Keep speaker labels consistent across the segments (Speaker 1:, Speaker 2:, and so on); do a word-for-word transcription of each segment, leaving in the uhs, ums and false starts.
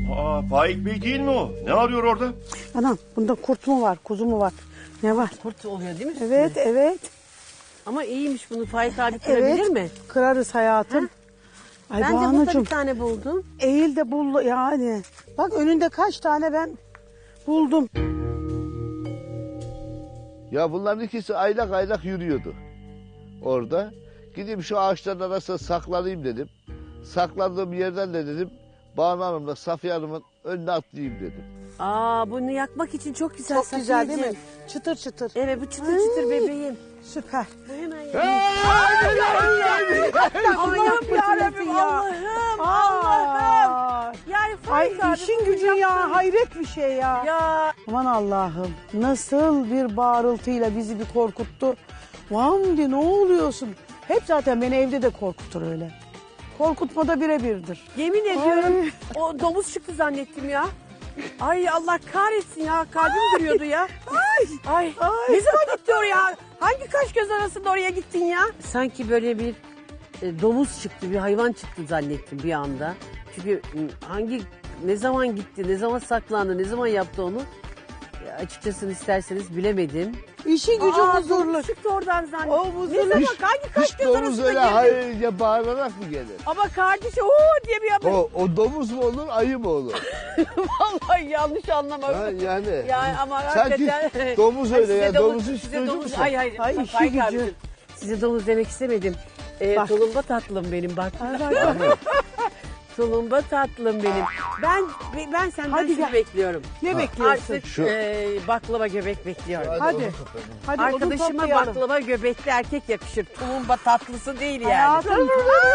Speaker 1: Aa, Faik Bey değil mi o? Ne arıyor orada?
Speaker 2: Anam bunda kurt mu var, kuzu mu var? Ne var?
Speaker 3: Kurt oluyor değil mi?
Speaker 2: Evet,
Speaker 3: üstünde?
Speaker 2: evet.
Speaker 3: Ama iyiymiş, bunu Faik abi kırabilir
Speaker 2: Evet,
Speaker 3: mi?
Speaker 2: kırarız hayatım. Ay
Speaker 3: Ben de burada
Speaker 2: Banucuğum,
Speaker 3: bir tane buldum.
Speaker 2: eğil de bul yani. Bak önünde kaç tane ben buldum.
Speaker 4: Ya bunların ikisi aylak aylak yürüyordu orada. Gideyim şu ağaçların arasına saklanayım dedim. Saklandığım yerden de dedim Banu Hanım'la Safiye Hanım'ın önüne atlayayım dedim.
Speaker 3: Aa, bunu yakmak için çok güzel.
Speaker 2: Çok güzel değil mi?
Speaker 3: Safiyeciğim.
Speaker 2: Çıtır çıtır.
Speaker 3: Evet, bu çıtır çıtır bebeğim.
Speaker 2: Süper.
Speaker 3: Bu hemen
Speaker 2: Allah'ım yarabbim ya.
Speaker 3: Allah'ım, Allah'ım. Yani
Speaker 2: Ay
Speaker 3: Faik abi
Speaker 2: işin
Speaker 3: bunu
Speaker 2: gücün ya,
Speaker 3: yaptın.
Speaker 2: hayret bir şey ya.
Speaker 3: Ya
Speaker 2: Aman Allah'ım, nasıl bir bağırıltıyla bizi bir korkuttu. Vamdi ne oluyorsun? Hep zaten beni evde de korkutur öyle. Korkutmada birebirdir.
Speaker 3: yemin ediyorum o domuz çıktı zannettim ya. Ay Allah kahretsin ya, kalbim duruyordu ya. Ay, ay,
Speaker 2: Ay.
Speaker 3: ne zaman gitti oraya? Hangi kaş göz arasında oraya gittin ya? Sanki böyle bir e, domuz çıktı, bir hayvan çıktı zannettim bir anda. Çünkü m, hangi, ne zaman gitti, ne zaman saklandı, ne zaman yaptı onu? Ya, açıkçası isterseniz bilemedim.
Speaker 2: İşi gücü
Speaker 3: Aa,
Speaker 2: huzurlu.
Speaker 3: domuz çıktı oradan zannettim.
Speaker 2: O huzurlu.
Speaker 3: Ne zaman,
Speaker 4: Hiç-
Speaker 3: hangi kaş
Speaker 4: Hiç
Speaker 3: göz
Speaker 4: domuz
Speaker 3: arasında
Speaker 4: öyle
Speaker 3: girdi?
Speaker 4: hayırca bağırarak mı gelir?
Speaker 3: Ama kardeşi ooo diye bir yapıyor.
Speaker 4: O, o domuz mu olur, ayı mı olur?
Speaker 3: Vallahi yanlış anlama.
Speaker 4: Ha, yani.
Speaker 3: Yani ama
Speaker 4: Sanki
Speaker 3: hakikaten.
Speaker 4: domuz
Speaker 3: Ay,
Speaker 4: öyle
Speaker 3: size
Speaker 4: ya,
Speaker 3: domuz-
Speaker 4: domuzu hiç
Speaker 3: size
Speaker 4: duydun
Speaker 3: domuz-
Speaker 4: mu sen?
Speaker 3: Ay hayır.
Speaker 2: Ay,
Speaker 3: Ay,
Speaker 2: işi
Speaker 3: Faik
Speaker 2: gücü.
Speaker 3: abicim, size domuz demek istemedim. Ee,
Speaker 2: Bak.
Speaker 3: tulumba tatlım benim bak.
Speaker 4: Yani.
Speaker 3: Tulumba tatlım benim. Ben ben senden
Speaker 2: Hadi
Speaker 3: şunu
Speaker 2: gel.
Speaker 3: bekliyorum.
Speaker 2: Ne bekliyorsun?
Speaker 3: Artık
Speaker 4: Şu-
Speaker 3: e, baklava göbek bekliyorum.
Speaker 2: Hadi. Hadi odun
Speaker 3: Arkadaşıma
Speaker 2: toplayalım.
Speaker 3: baklava göbekli erkek yakışır. Tulumba tatlısı değil yani.
Speaker 2: Hayatım.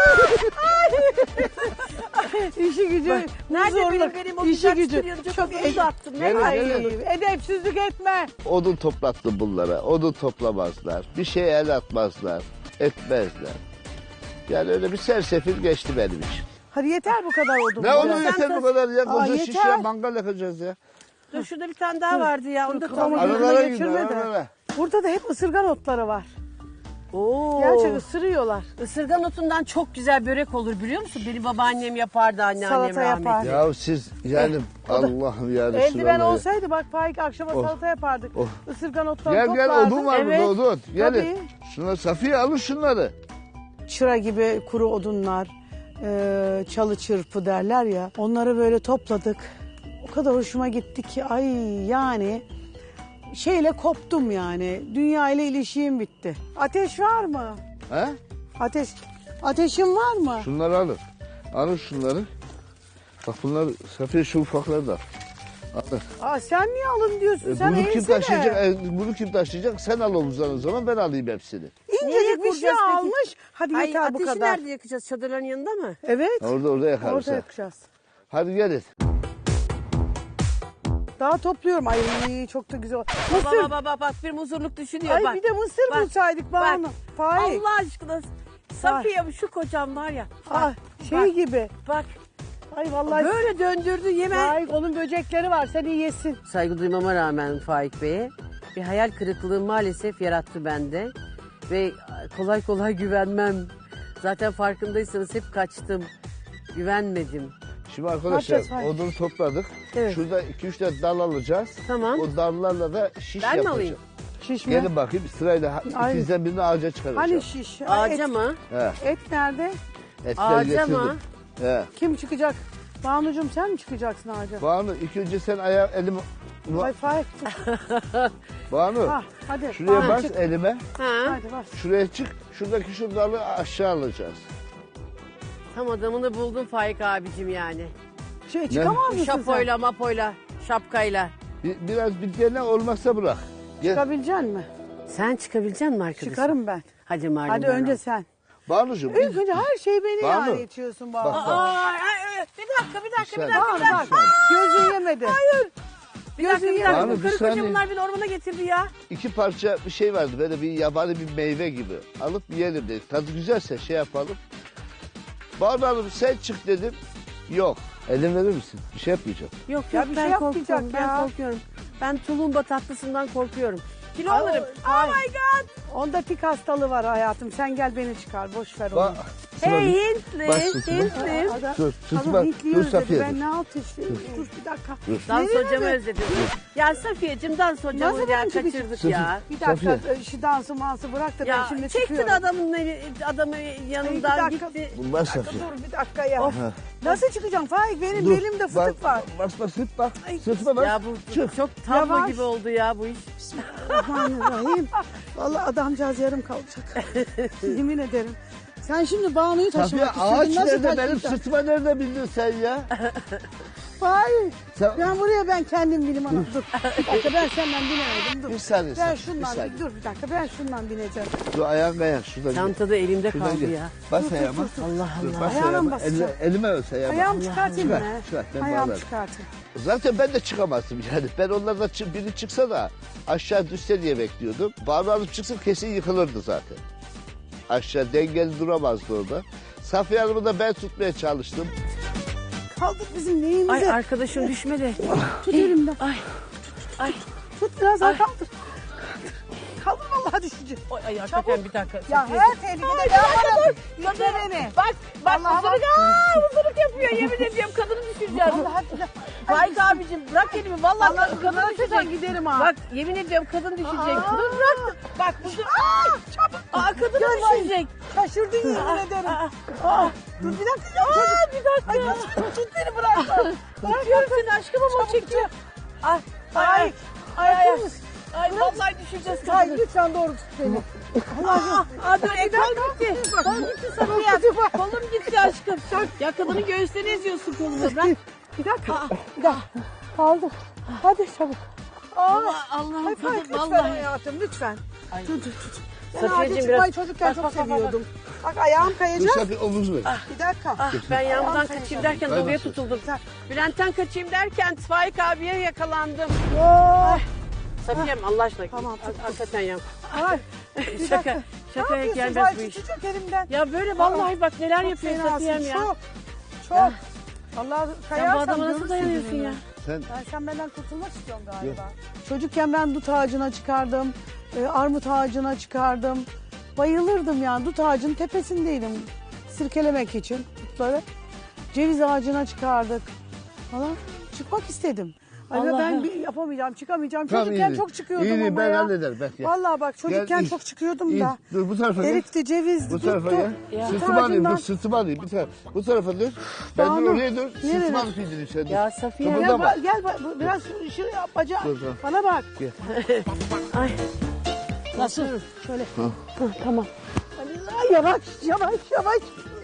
Speaker 2: İşi gücü.
Speaker 3: Nerede
Speaker 2: huzurlu.
Speaker 3: benim benim o
Speaker 2: İşi
Speaker 3: güzel
Speaker 2: gücü.
Speaker 3: stüdyocu
Speaker 2: Çok
Speaker 3: topunuzu attım. Ne
Speaker 4: Gelin,
Speaker 3: var?
Speaker 2: Ay,
Speaker 4: gelin.
Speaker 2: edepsizlik etme.
Speaker 4: Odun toplattım bunlara. Odun toplamazlar. Bir şeye el atmazlar. Etmezler. Yani öyle bir sersefil geçti benim için.
Speaker 2: Hadi yeter bu kadar odun.
Speaker 4: Ne
Speaker 2: Ya.
Speaker 4: olur yeter bu kadar ya.
Speaker 2: Aa,
Speaker 4: Koca şiş
Speaker 2: yeter.
Speaker 4: ya, mangal yakacağız ya.
Speaker 3: Dur şurada bir tane daha vardı ya. Onu da
Speaker 2: kafamı
Speaker 3: tamam.
Speaker 2: gözüme
Speaker 4: Aralara
Speaker 2: geçirme
Speaker 4: gidiyor,
Speaker 2: de.
Speaker 4: aralara.
Speaker 2: Burada da hep ısırgan otları var.
Speaker 3: Oo.
Speaker 2: Gerçekten ısırıyorlar.
Speaker 3: Isırgan otundan çok güzel börek olur biliyor musun? Benim babaannem yapardı, anneannem
Speaker 2: Salata
Speaker 3: rahmetli.
Speaker 2: yapar.
Speaker 4: Ya siz yani Allah'ım ya
Speaker 2: Eldiven
Speaker 4: Resulallah ya.
Speaker 2: olsaydı bak Faik akşama
Speaker 4: Oh.
Speaker 2: salata yapardık.
Speaker 4: Oh.
Speaker 2: Isırgan otları
Speaker 4: Gel gel
Speaker 2: toplardık.
Speaker 4: odun var
Speaker 3: Evet.
Speaker 4: burada odun. Gelin.
Speaker 2: Tabii.
Speaker 4: Şuna Safiye alın şunları.
Speaker 2: Çıra gibi kuru odunlar, e, çalı çırpı derler ya. Onları böyle topladık. O kadar hoşuma gitti ki ay yani şeyle koptum yani. Dünya ile ilişiğim bitti. Ateş var mı?
Speaker 4: He?
Speaker 2: Ateş. Ateşin var mı?
Speaker 4: Şunları alın. Alın şunları. Bak bunlar Safiye şu ufakları da al. Alın.
Speaker 2: Aa, sen niye alın diyorsun?
Speaker 4: E,
Speaker 2: sen
Speaker 4: bunu kim
Speaker 2: eğilsene.
Speaker 4: taşıyacak? E, bunu kim taşıyacak? Sen al omuzdan o zaman ben alayım hepsini.
Speaker 2: İncecik bir şey
Speaker 3: kuracağız peki?
Speaker 2: almış. Hadi
Speaker 3: Ay,
Speaker 2: yeter bu
Speaker 3: ateşi
Speaker 2: kadar.
Speaker 3: nerede yakacağız? Çadırların yanında mı?
Speaker 2: Evet.
Speaker 4: Orada orada yakarız.
Speaker 2: Orada
Speaker 4: ha.
Speaker 2: yapacağız.
Speaker 4: Hadi gelin.
Speaker 2: Daha topluyorum. Ay çok da güzel.
Speaker 3: Baba
Speaker 2: Mısır.
Speaker 3: baba bak, bak bir muzurluk düşünüyor
Speaker 2: Ay
Speaker 3: bak.
Speaker 2: bir de mısır
Speaker 3: Bak,
Speaker 2: bulsaydık
Speaker 3: bak.
Speaker 2: Banu. Faik.
Speaker 3: Allah aşkına. Safiye şu kocam var ya. Bak,
Speaker 2: Ah, şey
Speaker 3: bak,
Speaker 2: gibi.
Speaker 3: bak
Speaker 2: Ay vallahi.
Speaker 3: böyle döndürdü yeme.
Speaker 2: Faik onun böcekleri var. Sen iyi yesin.
Speaker 3: Saygı duymama rağmen Faik Bey'e bir hayal kırıklığı maalesef yarattı bende. Ve kolay kolay güvenmem. Zaten farkındaysanız hep kaçtım. Güvenmedim.
Speaker 4: Şimdi arkadaşlar
Speaker 2: yapacağız, hayır?
Speaker 4: odunu topladık.
Speaker 2: Evet.
Speaker 4: Şurada iki üç tane dal alacağız.
Speaker 3: Tamam.
Speaker 4: O dallarla da şiş
Speaker 3: Ben mi
Speaker 4: yapacağız.
Speaker 3: alayım?
Speaker 2: Şiş mi?
Speaker 4: Gelin bakayım sırayla
Speaker 2: Ay.
Speaker 4: ikizden birini ağaca çıkaracağız.
Speaker 2: Hani şiş? Ay,
Speaker 3: Ağaca
Speaker 2: et,
Speaker 3: mı?
Speaker 4: He,
Speaker 2: et nerede?
Speaker 4: etler
Speaker 3: Ağaca
Speaker 4: getirdim.
Speaker 3: mı?
Speaker 4: He.
Speaker 2: Kim çıkacak? Banucuğum sen mi çıkacaksın ağaca?
Speaker 4: Banu ilk önce sen ayağı elimi...
Speaker 2: Ay Faik.
Speaker 4: Banu
Speaker 2: Ha, hadi.
Speaker 4: şuraya
Speaker 2: Banu,
Speaker 4: bas
Speaker 2: çık.
Speaker 4: elime.
Speaker 3: Ha.
Speaker 2: Hadi bas.
Speaker 4: Şuraya çık. Şuradaki şu dalı aşağı alacağız.
Speaker 3: Tam adamını buldun Faik abicim yani.
Speaker 2: Şey, çıkamaz mısın
Speaker 3: Şapoyla mapoyla, şapkayla.
Speaker 4: Bir, biraz bir dene olmazsa bırak.
Speaker 2: sen?
Speaker 4: Gel.
Speaker 2: Çıkabilecek misin?
Speaker 3: Sen çıkabilecek misin arkadaşım?
Speaker 2: Çıkarım ben.
Speaker 3: Hadi Marlon.
Speaker 2: Hadi
Speaker 3: ben
Speaker 2: önce
Speaker 3: al.
Speaker 2: sen.
Speaker 4: Banucuğum.
Speaker 2: İlk önce her şeyi beni
Speaker 4: Banu.
Speaker 2: yani itiyorsun Banu.
Speaker 4: Bak, bak.
Speaker 3: Aa, ay, ay, bir dakika, bir dakika, bir
Speaker 4: Bir
Speaker 3: dakika.
Speaker 2: Banu
Speaker 3: Bir dakika,
Speaker 2: bak gözün yemedi. Hayır.
Speaker 3: bir dakika, bir dakika.
Speaker 4: Banu,
Speaker 3: Bu
Speaker 4: bir
Speaker 3: karı
Speaker 4: saniye.
Speaker 3: koca bunlar beni ormana getirdi ya.
Speaker 4: İki parça bir şey vardı böyle bir yabani bir meyve gibi. Alıp yiyelim dedik. Tadı güzelse şey yapalım. Banu Hanım sen çık dedim. Yok. Elin verir misin? Bir şey yapmayacağım.
Speaker 3: Yok
Speaker 2: Ya
Speaker 3: yok
Speaker 2: bir
Speaker 3: ben
Speaker 2: şey yapmayacak
Speaker 3: korkuyorum, ben
Speaker 2: ya.
Speaker 3: korkuyorum. Ben tulumba tatlısından korkuyorum. Kilo
Speaker 2: Ay,
Speaker 3: alırım.
Speaker 2: ay.
Speaker 3: Oh my god.
Speaker 2: Onda tik hastalığı var hayatım. Sen gel beni çıkar. Boş ver onu.
Speaker 4: Ba Sırtıma
Speaker 3: Hey
Speaker 4: bin.
Speaker 3: Hintli,
Speaker 4: Bas sırtıma.
Speaker 3: Hintli.
Speaker 2: Adam,
Speaker 4: Dur,
Speaker 2: adam
Speaker 4: sırtıma.
Speaker 2: Hintli
Speaker 4: Dur
Speaker 2: özledi.
Speaker 4: Safiye.
Speaker 2: Ben ne yapayım? Dur bir dakika.
Speaker 3: Dans
Speaker 2: Nereye
Speaker 3: hocamı
Speaker 2: mi?
Speaker 3: özledim. Ya Safiyeciğim dans hocamı
Speaker 2: zaman
Speaker 3: ya
Speaker 2: çıkacak?
Speaker 3: kaçırdık
Speaker 4: Sırtı-
Speaker 3: ya.
Speaker 2: Bir dakika
Speaker 4: Safiye.
Speaker 2: şu dansı mansı bırak da ben
Speaker 3: Ya
Speaker 2: şimdi
Speaker 3: çektin
Speaker 2: çıkıyorum.
Speaker 3: adamın adamı yanından
Speaker 2: dakika.
Speaker 3: gitti.
Speaker 4: Bas
Speaker 2: Bir dakika,
Speaker 4: Safiye.
Speaker 2: dur bir dakika ya.
Speaker 4: Ha.
Speaker 2: Nasıl çıkacağım Faik? Benim
Speaker 4: Dur,
Speaker 2: belimde fıtık
Speaker 4: bak,
Speaker 2: var.
Speaker 4: Bas bas sırt bak. Sırtıma bas.
Speaker 3: Ya bu
Speaker 4: Çık.
Speaker 3: çok tablo
Speaker 2: Yavaş.
Speaker 3: gibi oldu ya bu iş.
Speaker 2: Bismillahirrahmanirrahim. Vallahi adamcağız yarım kalacak. Yemin ederim. Sen şimdi Banu'yu
Speaker 4: Safiye
Speaker 2: taşımak
Speaker 4: ağaç
Speaker 2: istedin. Nasıl
Speaker 4: nerede? Benim
Speaker 2: taşıyacaksın?
Speaker 4: sırtıma nerede bildin sen ya?
Speaker 2: Faik.
Speaker 4: Sen...
Speaker 2: Ben buraya ben kendim bilim anam. Dur. Bir dakika ben senden binemedim. Dur.
Speaker 4: Bir saniye,
Speaker 2: Ben
Speaker 4: Safiye,
Speaker 2: şundan
Speaker 4: bir saniye.
Speaker 2: dur bir dakika ben şundan bineceğim.
Speaker 4: Dur ayağın kayak şuradan gel.
Speaker 3: Çantada elimde
Speaker 4: Şuradan
Speaker 3: kaldı
Speaker 4: gel.
Speaker 3: ya.
Speaker 4: Bas ayağıma.
Speaker 3: Allah
Speaker 4: Dur,
Speaker 3: Allah.
Speaker 4: bas
Speaker 2: Ayağına mı
Speaker 4: ayağıma.
Speaker 2: basacağım?
Speaker 4: Eline- elime ös ayağıma.
Speaker 2: Ayağımı çıkartayım
Speaker 4: Çıkar,
Speaker 2: mı?
Speaker 4: çıkar, ben
Speaker 2: Ayağımı
Speaker 4: bağlarım.
Speaker 2: çıkartayım.
Speaker 4: Zaten ben de çıkamazdım yani. Ben onlardan çı- biri çıksa da aşağı düşse diye bekliyordum. Bağlı alıp çıksın kesin yıkılırdı zaten. Aşağı dengeli duramazdı orada. Safiye Hanım'ı da ben tutmaya çalıştım.
Speaker 2: Kaldık bizim neyimize?
Speaker 3: Ay arkadaşım düşme de.
Speaker 2: Tut elimden.
Speaker 3: Ay. Ay.
Speaker 2: Tut biraz daha
Speaker 3: Ay.
Speaker 2: kaldır. Kaldır vallahi düşecek.
Speaker 3: Ay, ay hakikaten bir dakika.
Speaker 2: Ya
Speaker 3: Safiye-
Speaker 2: her tehlikede ben varım. Yutma beni.
Speaker 3: Bak bak
Speaker 2: Vallahi
Speaker 3: huzuruk aa huzuruk yapıyor yemin ediyorum kadını düşüreceğim.
Speaker 2: Vallahi billahi.
Speaker 3: Faik abicim bırak elimi vallahi
Speaker 2: Vallahi
Speaker 3: kadın
Speaker 2: kadına
Speaker 3: düşecek.
Speaker 2: düşecek giderim ha.
Speaker 3: Bak yemin ediyorum kadın düşecek.
Speaker 2: Aa.
Speaker 3: Dur bırak. Bak huzur. Aa çabuk. Aa kadın
Speaker 2: Gel
Speaker 3: düşecek.
Speaker 2: Şaşırdın yemin ederim.
Speaker 3: Aa,
Speaker 2: Aa, dur bir dakika ya çocuk.
Speaker 3: Aa bir dakika.
Speaker 2: Ay nasıl tut beni bırakma.
Speaker 3: Tutuyorum seni aşkım ama o çekiyor. Ay ay ay. Ay ay. ay. Ay vallahi düşeceğiz
Speaker 2: Ay
Speaker 3: kadını.
Speaker 2: lütfen doğru tut beni. Allah'ım.
Speaker 3: Aa dur e, kol gitti. Kol gitti Safiye. Kolum gitti aşkım. Ya kadının göğüslerini eziyorsun kolunu. Bırak.
Speaker 2: Bir dakika. Bir dakika. Kaldır. Hadi çabuk. Aa,
Speaker 3: Allah Allah'ım
Speaker 2: Ay Faik
Speaker 3: kadın
Speaker 2: lütfen
Speaker 3: vallahi.
Speaker 2: hayatım lütfen.
Speaker 3: Ay.
Speaker 2: Dur dur dur. Ben
Speaker 3: Safiyeciğim,
Speaker 2: ağaca
Speaker 3: biraz-
Speaker 2: çıkmayı çocukken
Speaker 3: bak,
Speaker 2: çok
Speaker 3: bak, bak, bak.
Speaker 2: seviyordum. Bak ayağım
Speaker 4: Dur
Speaker 2: kayacak.
Speaker 4: Safiye omuz ver.
Speaker 2: Bir dakika.
Speaker 3: Ah ben yağmurdan
Speaker 2: Ay,
Speaker 3: kaçayım derken
Speaker 4: ay,
Speaker 3: doluya
Speaker 4: ay.
Speaker 3: tutuldum. Bülent'ten kaçayım derken Faik abiye yakalandım.
Speaker 2: Oh.
Speaker 3: Safiyem Allah aşkına.
Speaker 2: Tamam,
Speaker 3: Ha- Hakikaten ya.
Speaker 2: Ay. Bir
Speaker 3: Şaka.
Speaker 2: dakika.
Speaker 3: Şakaya
Speaker 2: ne yapıyorsun?
Speaker 3: gelmez bu
Speaker 2: Ay,
Speaker 3: iş.
Speaker 2: tutacak elimden.
Speaker 3: Ya böyle vallahi bak neler
Speaker 2: Çok
Speaker 3: yapıyor
Speaker 2: fenasın,
Speaker 3: Safiyem ya.
Speaker 2: Çok. Çok. Allah
Speaker 3: Sen bu
Speaker 2: kayarsam
Speaker 3: adama nasıl
Speaker 2: görürsün
Speaker 3: dayanıyorsun
Speaker 2: gününü.
Speaker 3: ya?
Speaker 4: Sen
Speaker 2: Ben sen benden kurtulmak istiyorsun galiba. Çocukken ben dut ağacına çıkardım. e, armut ağacına çıkardım. Bayılırdım yani. Dut ağacının tepesindeydim. Sirkelemek için dutları. Ceviz ağacına çıkardık falan. Çıkmak istedim. Ay
Speaker 3: Allah'ım.
Speaker 2: ben bir yapamayacağım, çıkamayacağım.
Speaker 4: Tamam,
Speaker 2: Çocukken
Speaker 4: iyi.
Speaker 2: çok çıkıyordum
Speaker 4: İyi,
Speaker 2: ama
Speaker 4: ben
Speaker 2: ya.
Speaker 4: hallederim, bak ya.
Speaker 2: Vallahi bak çocukken
Speaker 4: Gel,
Speaker 2: çok çıkıyordum
Speaker 4: İyi.
Speaker 2: da.
Speaker 4: Dur bu tarafa gel.
Speaker 2: Erikti, cevizdi,
Speaker 4: Bu tarafa
Speaker 2: duttu.
Speaker 4: gel.
Speaker 3: Ya.
Speaker 4: Sırtıma alayım, dur
Speaker 2: Ağacından-
Speaker 4: sırtıma alayım. Bir tarafa. Bu tarafa dur. Ben dur
Speaker 2: Banu,
Speaker 4: oraya dur.
Speaker 2: nereye?
Speaker 4: Sırtıma alıp indireyim sen dur.
Speaker 3: Ya Safiye.
Speaker 4: Tamam.
Speaker 2: Gel,
Speaker 4: Burada
Speaker 2: bak,
Speaker 4: bak.
Speaker 2: gel bak, bu- biraz şu yap, bacağı.
Speaker 4: Dur, dur.
Speaker 2: Bana bak.
Speaker 3: Ay.
Speaker 2: Nasıl? Şöyle.
Speaker 3: Hı, tamam.
Speaker 2: Ay, yavaş, yavaş, yavaş.